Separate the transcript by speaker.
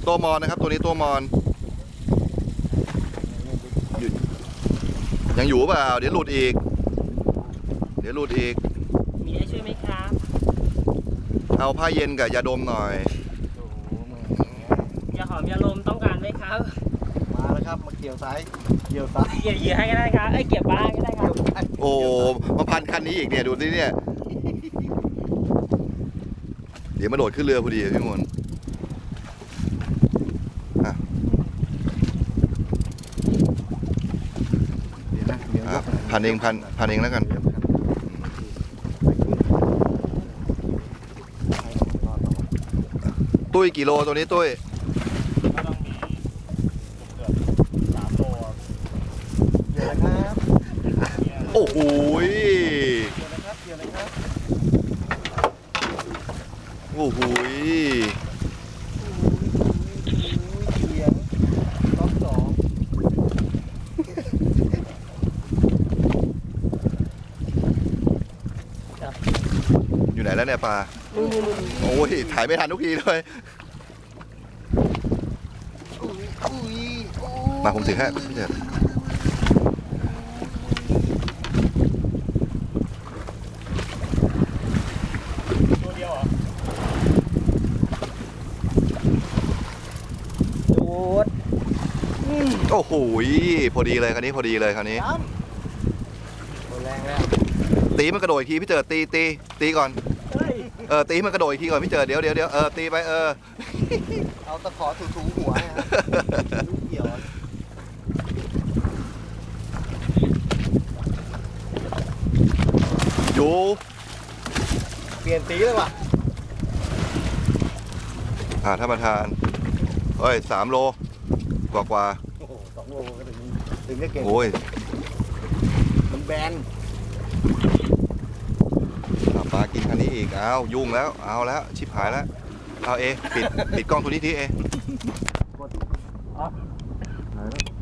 Speaker 1: ตัวมอนนะครับตัวนี้ตัวมอนยังอยู่เปล่าเดี๋ยวหลุดอีก
Speaker 2: มีอะไรช่วยไหมครับ
Speaker 1: เอาผ้าเย็นกับยาดมหน่อย
Speaker 2: ยาหอมยาลมต้องการไหมครับ
Speaker 3: มาแล้วครับมาเกี่ยวซ้าย
Speaker 2: เกี่ยวเหยื่อให้ก็ได้ครับเกี่ยวปลาก็ได้ครับ
Speaker 1: โอ้มาพันคันนี้อีกเนี่ยดูนี่เนี่ยเดี๋ยวมาโดดขึ้นเรือพอดีพี่มนพันเองแล้วกันตุ้ยกี่โลตัวนี้ตุ้ย
Speaker 3: ก็ต้องมีเกือบ3 โลเกี่ยวเลยครับ
Speaker 1: โอ้โห
Speaker 3: เกี่ยวเลยครับ
Speaker 1: โอ้โห
Speaker 3: เกี่ยวรอบ2
Speaker 1: อยู่ไหนแล้วเนี่ยปลาโอ้ยถ่ายไม่ทันทุกทีเลยมาผมถือให้พี่เจ
Speaker 3: ตัวเดียวเหรอ
Speaker 2: ดูด
Speaker 1: โอ้โหพอดีเลยคราวนี้ตัว
Speaker 3: แรงแล้ว
Speaker 1: ตีมันกระโดดอีกทีพี่เจตีก่อนตีมันกระโดดอีกทีก่อนพี่เจเดี๋ยวตีไป
Speaker 3: เอาตะขอถูหัวนะครับลูกเกี่ยว
Speaker 1: อยู่
Speaker 3: เปลี่ยนสีเลยว่ะ
Speaker 1: ท่านประธาน3 โลกว่า
Speaker 3: โอ้โห2 โลก็ถึงจะเก่ง
Speaker 1: โอ้ย
Speaker 3: มันแบน
Speaker 1: ปลากินคันนี้อีกเอายุ่งแล้วเอาแล้วชิบหายแล้วเอาปิดกล้องตัวนี้ที